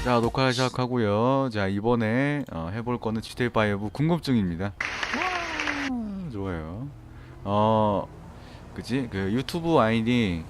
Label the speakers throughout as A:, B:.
A: 자, 녹화 시작하고요. 자, 이번에 해볼 거는 GTA5 궁금증입니다. 좋아요. 그지? 그 유튜브 아이디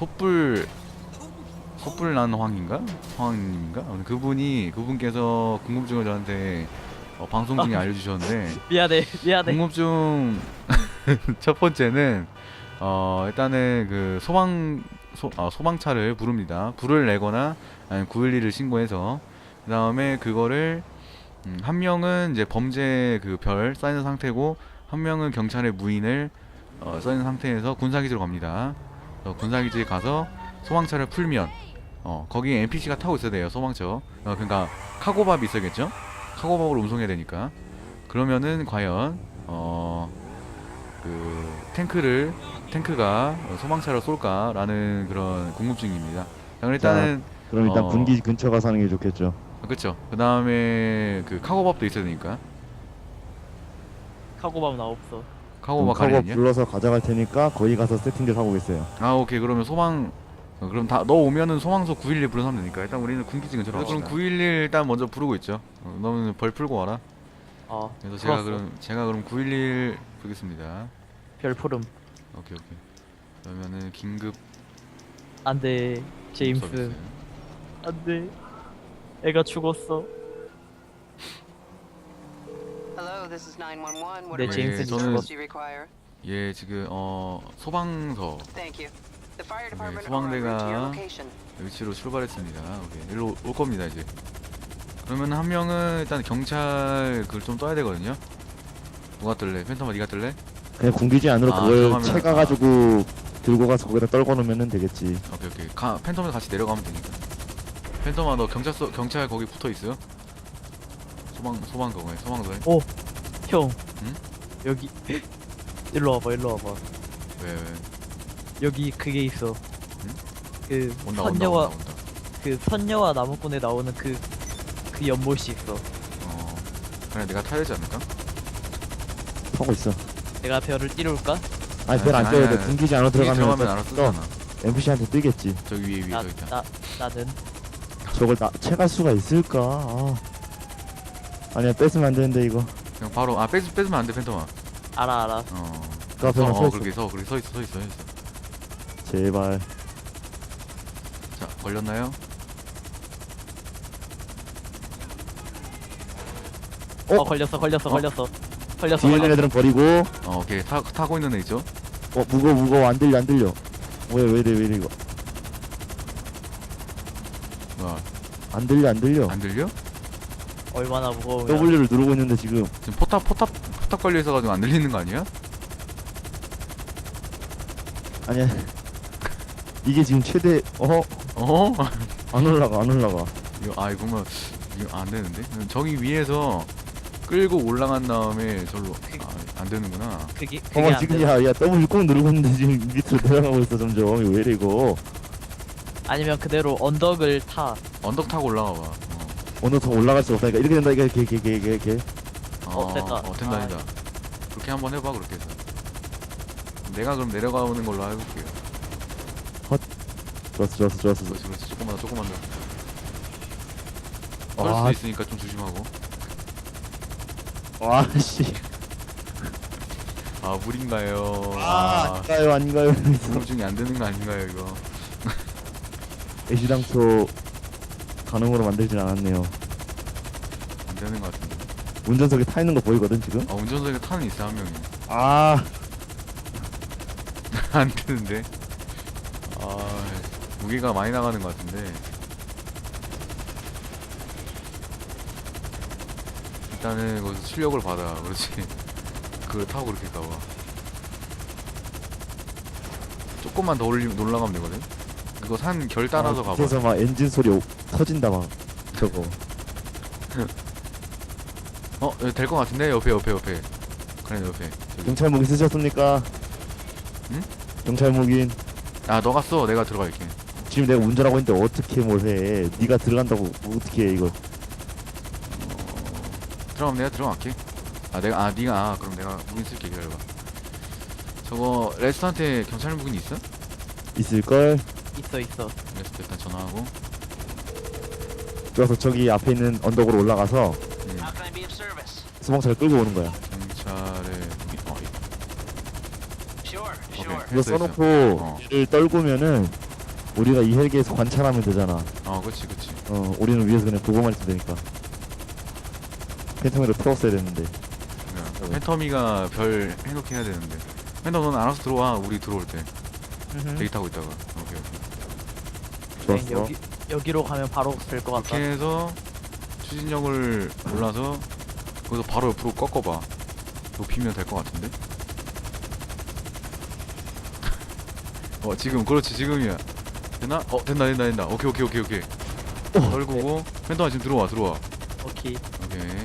A: 소뿔난황인가? 황님인가? 그분께서 궁금증을 저한테 방송 중에 알려주셨는데
B: 미안해.
A: 궁금증 첫 번째는 일단은 그 소방차를 부릅니다. 불을 내거나 아니면 911을 신고해서 그 다음에 그거를 한 명은 이제 범죄 그 별 쌓이는 상태고 한 명은 경찰의 무인을 쌓이는 상태에서 군사기지로 갑니다. 군사기지에 가서 소방차를 풀면 거기 NPC가 타고 있어야 돼요. 소방차. 그러니까 카고밥이 있어야겠죠? 카고밥을 운송해야 되니까. 그러면은 과연 그 탱크가 소방차를 쏠까라는 그런 궁금증입니다. 자, 그럼 일단은
C: 그럼 일단 분기 근처 가서 하는 게 좋겠죠.
A: 그쵸. 그 다음에 그 카고밥도 있어야 되니까.
B: 카고밥 나 없어.
A: 카고밥
C: 카고
A: 가리냐?
C: 불러서 가져갈 테니까 거기 가서 세팅들 하고 있어요.
A: 아, 오케이. 그러면 그럼 다 너 오면은 소방서 911 부르면 되니까 일단 우리는 군기지 근처로 그럼 911 일단 먼저 부르고 있죠. 너는 벌 풀고 와라. 그래서 제가 그럼 911 부르겠습니다.
B: 별푸름.
A: 오케이. 그러면은 긴급
B: 안돼. 제임스.
A: 서비스.
B: 안돼. 애가 죽었어.
D: Hello, this is 911. What
B: 네, 제임스
D: services do you require?
A: 예, 지금 소방서
D: Thank you. The fire department
A: 소방대가-
D: are en route to your location.
A: 위치로 출발했습니다. 오케이. 일로 올 겁니다, 이제. 그러면 한 명은 일단 경찰 그걸 좀 떠야 되거든요. 누가 뜰래? 팬텀아 네가 뜰래?
C: 그냥 군기지 안으로 그걸
A: 들어가면-
C: 채가가지고 들고 가서 거기다 떨궈 놓으면 되겠지.
A: 오케이. 팬텀에 같이 내려가면 되니까. 팬텀아 너 경찰 거기 붙어 있어요? 소방서에.
B: 형.
A: 응?
B: 여기 일로 와봐.
A: 왜?
B: 여기 그게 있어. 그
A: 온다.
B: 그 선녀와 나무꾼에 나오는 그 연못이 있어.
A: 그래 내가 타야 되지 않을까?
C: 타고 있어.
B: 내가 별을 띄울까?
C: 아니 별 안
A: 아니,
C: 떠야 돼.
A: 아니.
C: 군기지 안으로 들어가면
A: 알아서 뜨잖아.
C: NPC한테 뜨겠지.
A: 저기 위에 저 있다.
B: 나는
C: 저걸 채갈 수가 있을까? 아니야 뺏으면 안 되는데 이거.
A: 그냥 바로 뺏으면 안 돼, 팬텀아.
B: 알아.
C: 그 앞에만 서 있어.
A: 그렇게 서 있어.
C: 제발.
A: 자, 걸렸나요?
B: 걸렸어.
C: 뒤에 있는 애들은 버리고.
A: 오케이. 타고 있는 애 있죠?
C: 무거워 안 들려. 왜 이래 이거.
A: 뭐야?
C: 안 들려.
A: 안 들려?
B: 얼마나 무거우면.
C: W를 누르고 있는데 지금.
A: 지금 포탑 걸려 있어가지고 안 들리는 거 아니야?
C: 아니야. 이게 지금 최대. 안 올라가.
A: 이거 안 되는데? 저기 위에서 끌고 올라간 다음에 절로 안 되는구나.
B: 그게 안
C: 지금
B: 돼.
C: 야 W 꼭 누르고 있는데 지금 밑으로 내려가고 있어 점점. 이거 왜 이래 이거.
B: 아니면 그대로 언덕을 타.
A: 언덕 타고 올라가 봐.
C: 어느 더 올라갈 수 없다니까. 이렇게 된다. 이게.
B: 됐다.
A: 된다. 그렇게 한번 해봐, 그렇게 해서. 내가 그럼 내려가는 걸로 해볼게요.
C: 좋았어.
A: 그렇지. 조금만 더. 걸 수도 있으니까 좀 조심하고.
C: 와씨.
A: 물인가요?
C: 아닌가요?
A: 궁금증이 안 되는 거 아닌가요, 이거?
C: 애시당초 가능으로 만들진 않았네요.
A: 안 되는 거 같은데.
C: 운전석에 타 있는 거 보이거든 지금?
A: 운전석에 타는 있어, 한 명이. 안 되는데. 무게가 많이 나가는 것 같은데. 일단은 거기서 출력을 받아. 그렇지. 그걸 타고 그렇게 가봐. 조금만 더 올라가면 되거든. 그거 산 결 따라서 가봐.
C: 그래서 막 엔진 소리 터진다 막 저거.
A: 될 것 같은데? 옆에. 그래, 옆에. 저기.
C: 경찰 무기 쓰셨습니까?
A: 응?
C: 경찰 무기는
A: 너가 써. 내가 들어갈게.
C: 지금 내가 운전하고 있는데 어떻게 뭘 해? 네가 들어간다고 어떻게 해 이거?
A: 들어가면 내가 들어갈게. 그럼 내가 무긴 쓸게. 기다려봐. 저거 레스트한테 경찰 무긴 있어?
C: 있을 걸.
B: 있어.
A: 레스트 일단 전화하고.
C: 그래서 저기 앞에 있는 언덕으로 올라가서
E: How can I be of service?
C: 소방차를 끌고 오는 거야.
A: 경찰에
E: Sure,
A: 오케이.
E: sure.
C: 이거
A: 했어,
C: 써놓고
A: 했어.
C: 얘를 떨구면은 우리가 이 헬기에서 관찰하면 되잖아.
A: 그치.
C: 우리는 위에서 그냥 보고만 있으면 되니까. 팬텀으로 태웠어야 됐는데.
A: 팬텀이가 별 행동해야 되는데. 팬텀 너는 알아서 들어와. 우리 들어올 때 대기 타고 있다가. 오케이.
C: 좋았어.
B: 여기로 가면 바로 될 것 같다.
A: 이렇게 해서 추진력을 올라서 거기서 바로 옆으로 꺾어봐. 높이면 될 것 같은데. 지금 그렇지 지금이야. 되나? 된다. 오케이. 떨구고 팬텀아 지금 들어와.
B: 오케이.
A: 오케이.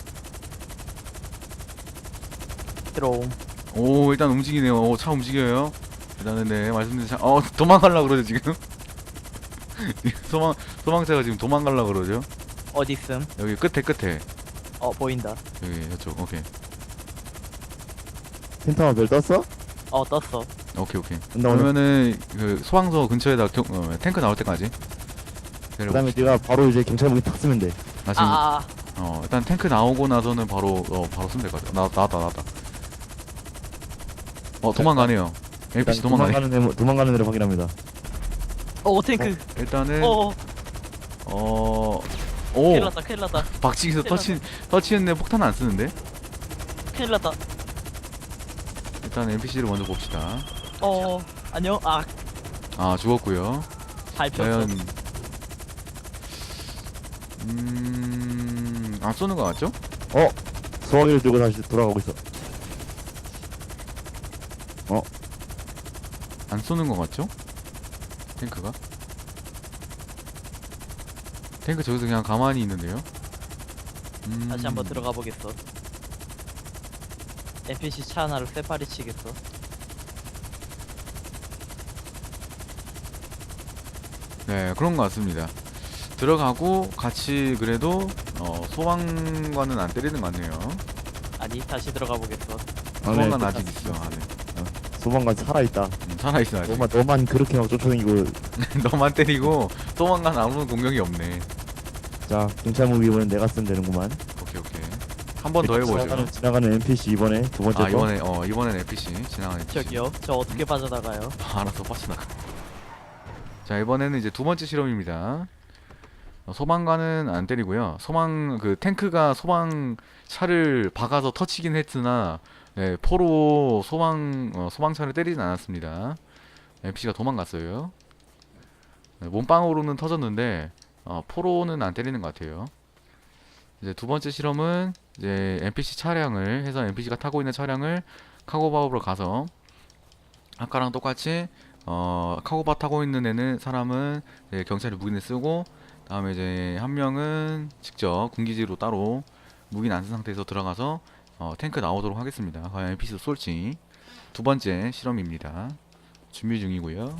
B: 들어옴.
A: 오 일단 움직이네요. 차 움직여요. 일단은 네 말씀드린 차 도망가려고 그러죠 지금. 소방차가 지금 도망가려고 그러죠.
B: 어디 있음?
A: 여기 끝에
B: 보인다.
A: 여기 저쪽. 오케이.
C: 팬텀아 별 떴어?
B: 떴어.
A: 오케이.
C: 나 오늘
A: 그러면은 그 소방서 근처에다 탱크 나올 때까지
C: 그 다음에 네가 바로 이제 경찰 무기 탁 쓰면 돼.
A: 나 지금
B: 아.
A: 일단 탱크 나오고 나서는 바로 쓰면 될 것 같아. 나왔다. 도망가네요. NPC 도망가네.
C: 도망가는 애를 확인합니다.
B: 탱크.
A: 일단은
B: 큰일
A: 오
B: 났다. 큰일 났다.
A: 박치기에서 터치했는데 폭탄 안 쓰는데.
B: 큰일 났다.
A: 일단 NPC를 먼저 봅시다.
B: 안녕.
A: 죽었고요.
B: 밟혔어.
A: 과연 안 쏘는 것 같죠?
C: 소화기를 들고 다시 돌아가고 있어.
A: 안 쏘는 것 같죠? 탱크가? 탱크 저기서 그냥 가만히 있는데요?
B: 다시 한번 들어가 보겠어. NPC 차 하나를 쇠파리 치겠어.
A: 네, 그런 것 같습니다. 들어가고 같이 그래도 소방관은 안 때리는 것 같네요.
B: 아니, 다시 들어가 보겠어.
A: 소방관 아직 있어 안에.
C: 소방관 살아있다.
A: 살아있어 아직.
C: 너만 그렇게 막 쫓아다니고.
A: 너만 때리고 소방관 아무런 공격이 없네.
C: 자, 경찰 무기 이번엔 내가 쓰면 되는구만.
A: 오케이. 한 번 더 해보죠.
C: 지나가는 NPC 이번에 두 번째 거.
A: 이번엔 NPC 지나가는 NPC.
B: 저기요. 저 어떻게 빠져나가요?
A: 알아서 빠져나가. 자, 이번에는 이제 두 번째 실험입니다. 소방관은 안 때리고요. 탱크가 소방차를 박아서 터치긴 했으나 포로 소방차를 때리진 않았습니다. NPC가 도망갔어요. 몸빵으로는 터졌는데 포로는 안 때리는 것 같아요. 이제 두 번째 실험은 이제 NPC 차량을 해서 NPC가 타고 있는 차량을 카고바업으로 가서 아까랑 똑같이 카고바 타고 있는 사람은 이제 경찰이 무기를 쓰고, 다음에 이제 한 명은 직접 군기지로 따로 무기는 안 쓴 상태에서 들어가서 탱크 나오도록 하겠습니다. 과연 NPC도 쏠지. 두 번째 실험입니다. 준비 중이고요.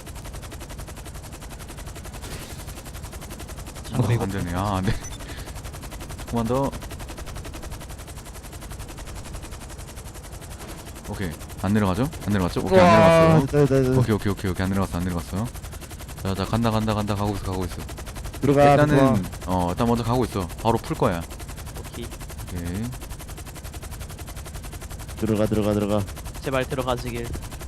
A: 안 되네. 안 돼. 조금만 더. 오케이. 안 내려가죠? 안 내려갔죠? 오케이, 안 내려갔어요. 오케이. 안 내려갔어. 자, 간다. 가고 있어.
C: 들어가.
A: 일단은, 일단 먼저 가고 있어. 바로 풀 거야.
B: 오케이.
A: 오케이.
C: 들어가.
B: 제발 들어가지길.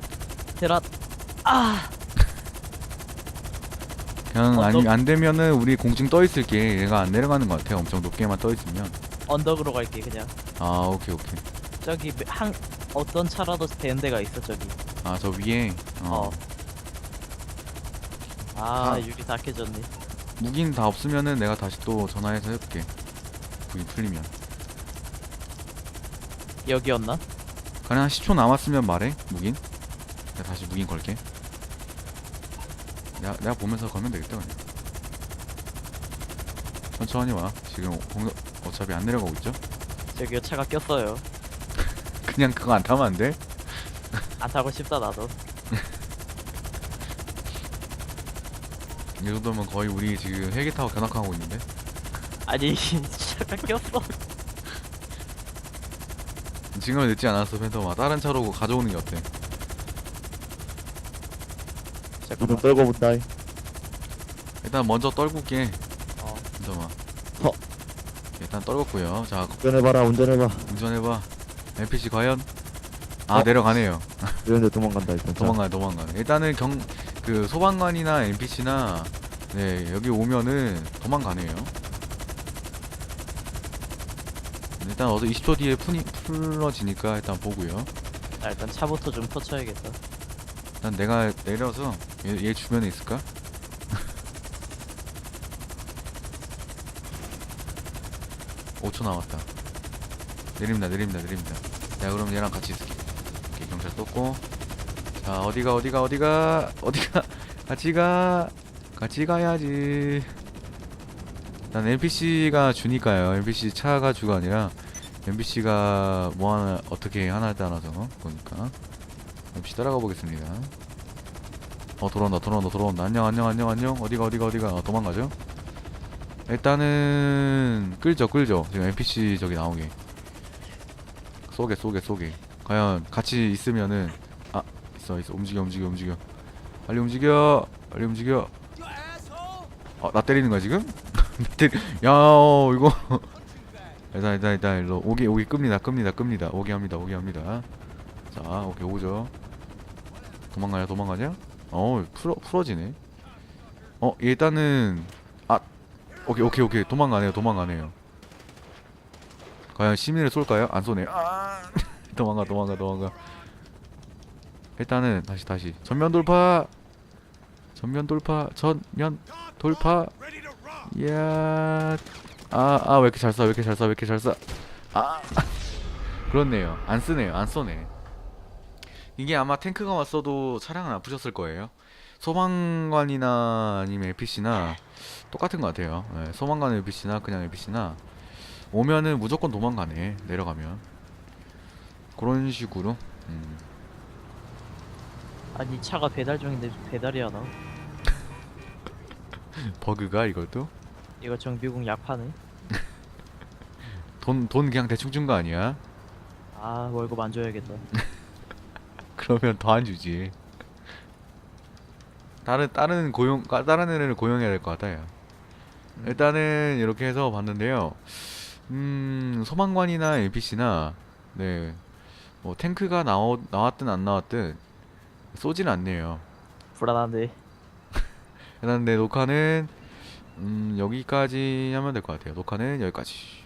A: 그냥
B: 언덕?
A: 안 되면은 우리 공중 떠 있을게. 얘가 안 내려가는 것 같아. 엄청 높게만 떠 있으면.
B: 언덕으로 갈게 그냥.
A: 오케이.
B: 저기 어떤 차라도 되는 데가 있어 저기.
A: 저 위에.
B: 유리 다 깨졌네.
A: 무기는 다 없으면은 내가 다시 또 전화해서 해볼게. 무기 풀리면.
B: 여기였나?
A: 그냥 한 10초 남았으면 말해. 무긴. 내가 다시 무긴 걸게. 내가 보면서 걸면 되겠다 그냥. 천천히 와. 지금 어차피 안 내려가고 있죠?
B: 저기요 차가 꼈어요.
A: 그냥 그거 안 타면 안 돼?
B: 안 타고 싶다 나도.
A: 이 정도면 거의 우리 지금 헬기 타고 견학하고 있는데?
B: 아니 차가 꼈어.
A: 지금은 늦지 않았어 팬텀아. 다른 차로 가져오는 게 어때?
C: 이동 떨고 본다.
A: 일단 먼저 떨굴게. 잠깐만.
C: 서.
A: 일단 떨궜고요. 자,
C: 운전해봐라 운전해봐.
A: 운전해봐. NPC 과연? 아,
C: 어?
A: 내려가네요.
C: 이런데 도망간다 일단.
A: 도망가요. 일단은 그 소방관이나 NPC나 네, 여기 오면은 도망가네요. 일단 어서 20초 뒤에 풀러지니까 일단 보고요.
B: 아, 일단 차부터 좀 터쳐야겠다.
A: 일단 내가 내려서 얘 주변에 있을까? (5초) 남았다. 내립니다. 내가 그럼 얘랑 같이 있을게. 오케이, 경찰 떴고. 자, 어디가 같이 가야지. 난 NPC가 주니까요. NPC 차가 주가 아니라 NPC가 뭐 하나 어떻게 하나에 따라서 보니까 NPC 따라가 보겠습니다. 돌아온다. 안녕. 어디가. 도망가죠? 일단은 끌죠. 지금 NPC 저기 나오게. 쏘게. 과연 같이 있으면은 있어. 움직여. 빨리 움직여. 나 때리는 거야 지금? 야, 이거. 일단 일로 오기 끕니다. 오게 합니다. 자, 오케이 오죠. 도망가냐? 풀어지네. 일단은 오케이. 도망가네요. 과연 시민을 쏠까요? 안 쏘네요. 도망가. 일단은 다시 전면 돌파. 이야. 왜 이렇게 잘 쏴. 그렇네요. 안 쏘네. 이게 아마 탱크가 왔어도 차량은 안 부셨을 거예요. 소방관이나 아니면 NPC나 똑같은 것 같아요. 네, 소방관 NPC나 그냥 NPC나 오면은 무조건 도망가네. 내려가면 그런 식으로.
B: 아니, 차가 배달 중인데 배달이 안 와.
A: 버그가 이것도
B: 이거 정비공 약파네.
A: 돈 그냥 대충 준 거 아니야?
B: 아, 월급 안 줘야겠다.
A: 그러면 더 안 주지. 다른 애를 고용해야 될 것 같아요. 일단은 이렇게 해서 봤는데요. 소방관이나 NPC나 네, 뭐 탱크가 나왔든 안 나왔든 쏘진 않네요.
B: 불안한데.
A: 일단 내 녹화는 여기까지 하면 될 것 같아요. 녹화는 여기까지.